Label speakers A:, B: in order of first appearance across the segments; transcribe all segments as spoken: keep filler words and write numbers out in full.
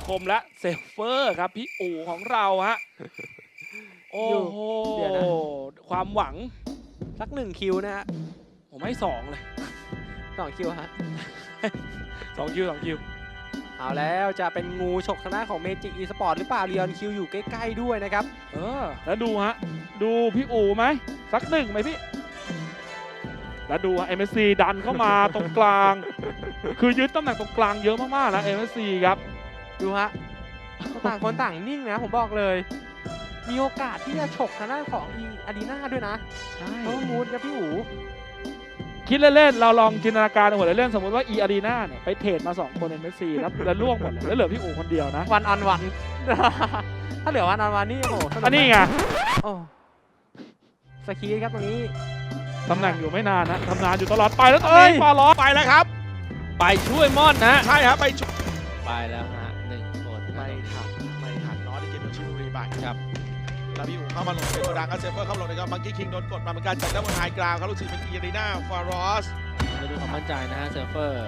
A: คมและเซฟเฟอร์ครับพี่อู๋ของเราฮะโอ้โหความหวัง
B: สักหนึ่งคิวนะฮะ
A: ผมให้สองเลย
B: สองคิวฮะ
A: สองคิวสองคิว
B: เอาแล้วจะเป็นงูฉกทางด้านของเมจิกอีสปอร์ตหรือเปล่าเรียนคิวอยู่ใกล้ๆด้วยนะครับ
A: เออแล้วดูฮะดูพี่อู๋ไหมสักหนึ่งไหมพี่แล้วดูเอ็มเอสซีดันเข้ามาตรงกลาง คือยึดตำแหน่งตรงกลางเยอะมากๆนะเอ็มเอสซีครับ
B: ดูฮะต่างคนต่างนิ่งนะผมบอกเลย มีโอกาสที่จะฉกทางด้านของอีอารีนาด้วยนะ
A: ใช่
B: เพราะว่ามูดกับพี่อู๋
A: คิดเล่นๆเราลองจินตนาการหัวเล่นๆสมมติว่าอีอารีนาเนี่ยไปเทรดมาสองคนเอ็มเอสซีแล้วแล้วล่วงหมดเลยแล้วเหลือพี่อู๋คนเดียวนะ
B: วันออนวัน ถ้าเหลือวันออนวันนี่โอ้โหสก
A: อันนี้ไง
B: โอ้สกีครับตรงนี้
A: ตำแหน่งอยู่ไม่นานนะทำงานอยู่ตลอดไปแล้วตรงนี้ฟาล้อไปแล้วครับ
C: ไปช่วยม่อนนะ
A: ใช่ครับไปช่วย
C: ไปแล้วฮะหนึ่งคน
D: ไม่ทันไม่ทันน้อยที่เกมโดนชิบุรีไป
C: ครับ
D: แล้วพี่อู๋เข้ามาลงเป็นตัวดังก็เซฟเฟอร์เข้ามาลงนะครับมังกี้คิงโดนกดมาเหมือนกันจากด้านบนไฮกราวครับลูกศิษย์เป็นอีรีนาฟารอส
C: มาดูความมั่นใจนะฮะเซิร์ฟเฟอร์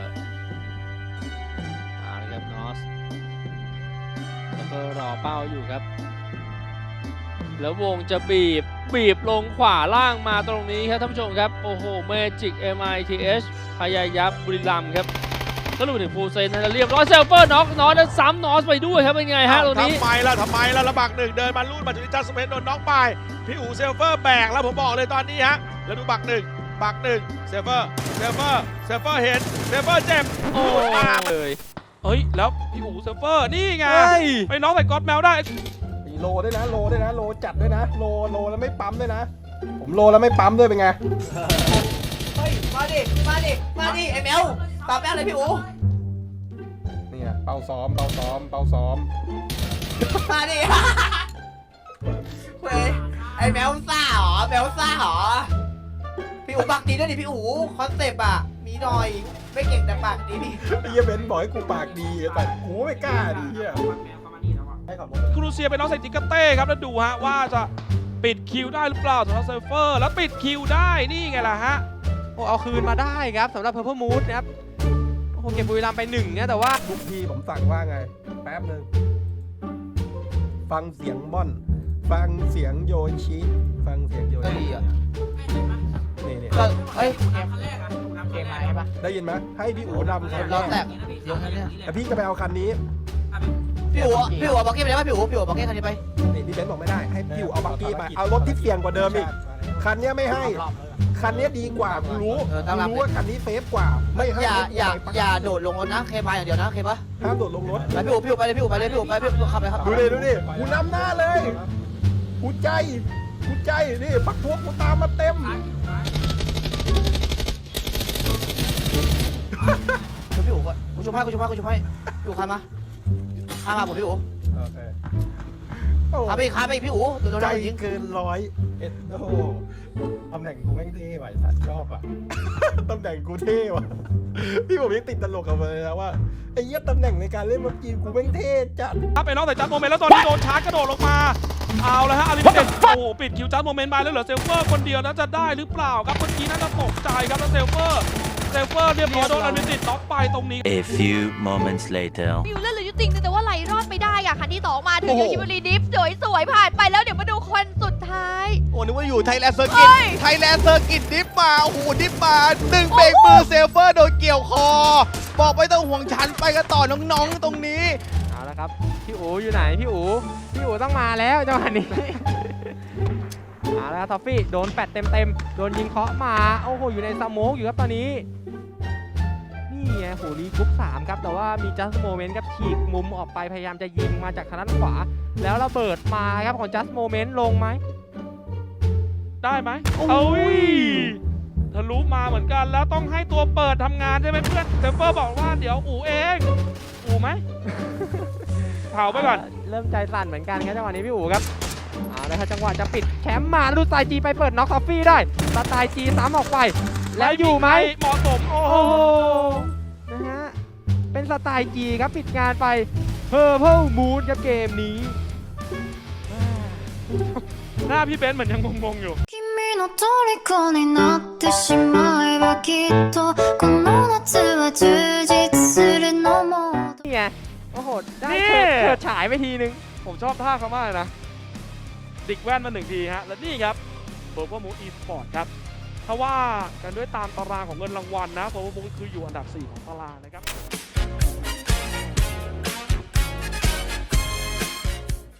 C: เอาละครับนอสเซิร์ฟเฟอร์รอเป้าอยู่ครับ แล้ววงจะบีบบีบลงขวาล่างมาตรงนี้ครับท่านผู้ชมครับโอ้โหเมจิก เอ็ม ไอ ที เอช พยายับบุรีรัมย์ครับก็รู้ถึงฟูลเซนนะเรียบร้อยเซิร์ฟเฟอร์น็อกนอสแล้วซ้ำนอสไปด้วยครับเป็นไงฮะตรงนี้
D: ทำไมล่ะทำไมล่ะระบักหนึ่งเดินมาลูดมาถึงจัสเปนโดนน็อกไปพี่อู๋เซฟเฟอร์แบกแล้วผมบอกเลยตอนนี้ฮะแล้วดูบักหนึ่งบักหนึ่งเซฟเฟอร์เซฟเฟอร์เซฟเฟอร์เห็นเซฟเฟอร์เจ็บ
C: โอ้เลย
A: เฮ้ยแล้วพี่อู๋เซิร์ฟเฟอร์นี่ไง
B: เฮ้ย
A: ไปน้องใส่ก๊อตแมวได้
E: โลด้วยนะโลด้วยนะโลจัดด้วยนะโลโลแล้วไม่ปั๊มด้วยนะ ผมโลแล้วไม่ปั๊มด้วยเป็นไง
F: เฮ้ย มาดิ มาดิ มาดิไอ้แมวตามแมวเลยพี่อู๋
E: เนี่ยเป่าซ้อมเป่าซ้อมเป่าซ้อม
F: มาดิ เฮ้ย ไอ้แมวซ่าเหรอ แมวซ่าเหรอ พี่อู๋ปากดีด้วยดิพี่อู๋คอนเซปต์อ่ะ มีหน่อย ไม่เก่งแต่ปากดีพี่
E: ไอ้เหี้ยเบนซ์บอกให้กูปากดีแต่กูไม่กล้าดิเหี้ยให้ขับรถ
A: ครูเซียไปน้องใส่จิกาเต้ครับแล้วดูฮะว่าจะปิดคิวได้หรือเปล่าสำหรับเซิร์ฟเฟอร์แล้วปิดคิวได้นี่ไงล่ะฮะ
B: โอ้เอาคืนมาได้ครับสำหรับ Purple Moon นะครับโอ้โหเก็บบุรีรัมย์ไปหนึ่งนะแต่ว่า
E: ทุกทีผมสั่งว่าไงแป๊บหนึ่งฟังเสียงม่อน ฟังเสียงโยชิฟังเสียงโยชินี่นี่
F: ก็เฮ้ย เกมเกมอะไรปะ
E: ได้ยินไหมให้พี่อู๋นำคัน
F: รอบ
E: แร
F: แร
E: ก
F: กลงนั้นเนี่ย
E: แต่พี่จะไปเอาคันนี้
F: พี่อู๋พี่อู๋บอกเกมไปได้ปะพี่อู๋พี่อู๋บอกเกมคันนี้ไป
E: นี่พี่เบนซ์บอกไม่ได้ให้พี่อู๋เอาบักกี้ไปเอารถที่เสี่ยงกว่าเดิมอีกคันเนี้ยไม่ให้ คันนี้ดีกว่ากูรู้
F: เออ
E: กู
F: ต้องรับ
E: รู้ว่าคันนี้เซฟกว่า ไม่ให้
F: อย่า อย่า
E: ให้
F: อย่าโดดลงรถนะ เคพายอย่างเดียวนะ เคปะ
E: ห้ามโดดลงรถ
F: ไปพี่อู๋พี่อู๋ไปเลยพี่อู๋ไปเลยพี่อู๋ไปพี่อู๋ขับไปครับ
E: ดูดิดูดิกูนำหน้าเลยกูใจกูใจนี่ปักพวกกูตามมาเต็ม
F: พี่อู๋ก่อนกูชุบให้กูชุบให้กูชุบให้พี่อู๋ขับมาข้ามมาผมพี่อู๋
E: โอเคโอ้
F: ขับไปอีกขับไปอีกพี่อู๋โดน
E: ใจ
F: โดนยิง
E: เกินร้อยเอ็ดโอ้โหตำแหน่งกูแม่งเท่ว่ะสัตว์ชอบอ่ะ ตำแหน่งกูเท่ว่ะพี่ผมยังติดตลกกับมันเลยนะว่าไอ้เหี้ยตำแหน่งในการเล่นมังกีกูแม่งเท่จัด
A: ถ้าไปน้องใส่จัดโมเมนต์แล้วตอนนี้โดนชาร์จกระโดดลงมาเอาแล้วฮะอาริเมเต็ดโอ้โหปิดคิวจัดโมเมนต์ไปแล้วเหลือเซลเฟอร์คนเดียวแล้วจะได้หรือเปล่าครับเมื่อกี้น่าจะตกใจครับแล้วเซลเฟอร์เซลเฟอร์เรียบร้อยโดนอาริเมเต็ดน็อกไปตรงนี้
G: A few moments later.
H: มิวเล่นเหลืออยู่ติ่งแต่ว่าไหลรอดไปได้อะคันที่สองมาถึง
F: โอ้โห
H: ยูคิบรีดิฟสวยๆผ่านไปแล้วเดี๋ยวมาดูคนสุดท้าย
D: โอ้นึกว่าอยู่ไทยแลนด์เซอร์กิต
H: เฮ้ย
D: ไทยแลนด์เซอร์กิตดิฟมาโอ้โหดิฟมาดึงเบรกมือเซฟเฟอร์โดนเกี่ยวคอ บอกไม่ต้องห่วงฉันไปกันต่อน้องๆตรงนี้
B: เอาละครับพี่อู๋อยู่ไหนพี่อู๋พี่อู๋ต้องมาแล้วจังหวะนี้ เอาละครับทอฟฟี่โดนแปดเต็มๆโดนยิงเคาะมาโอ้โหอยู่ในสโมกอยู่ครับตอนนี้นี่ไงโหรีกรุ๊ปสามครับแต่ว่ามีจัสโมเมนต์ครับฉีกมุมออกไปพยายามจะยิงมาจากทางด้านขวา แล้วระเบิดมาครับของจัสโมเมนต์ลงไหม
A: ได้ไหม
B: โอ้ย
A: เอ้ยทะลุมาเหมือนกันแล้วต้องให้ตัวเปิดทำงานใช่ไหมเพื่อนเซฟเฟอร์บอกว่าเดี๋ยวอูเองอูไหม เผาไปก่อน
B: เริ่มใจสั่นเหมือนกันครับจังหวะนี้พี่อู๋ครับเอาละครับจังหวะจะปิดแชมป์มาแล้วดูสไตล์จีไปเปิดน็อกทอฟฟี่ได้สไตล์จีซ้ำออกไป แล้วอยู่ไหม
A: เหมาะสมโอ้โห
B: โอ้โหนะฮะเป็นสไตล์จีครับปิดงานไป Purple Moon ครับเกมนี้
A: หน้าพี่เบนซ์เหมือนยังงงๆอยู่
I: 君の虜になってしまえばきっとこの夏は充実するのも
B: นี่ไง โอ้โอ้โห ได้
A: นี่
B: เฉิดเฉิดฉายไปทีนึง
A: ผมชอบท่าเขามากเลยนะ ดิกแว่นมาหนึ่งทีฮะ และนี่ครับเบอร์เบอร์มูอีสปอร์ตครับ ถ้าว่ากันด้วยตามตารางของเงินรางวัลนะเบอร์เบอร์มูคืออยู่อันดับสี่ของตารางนะครับ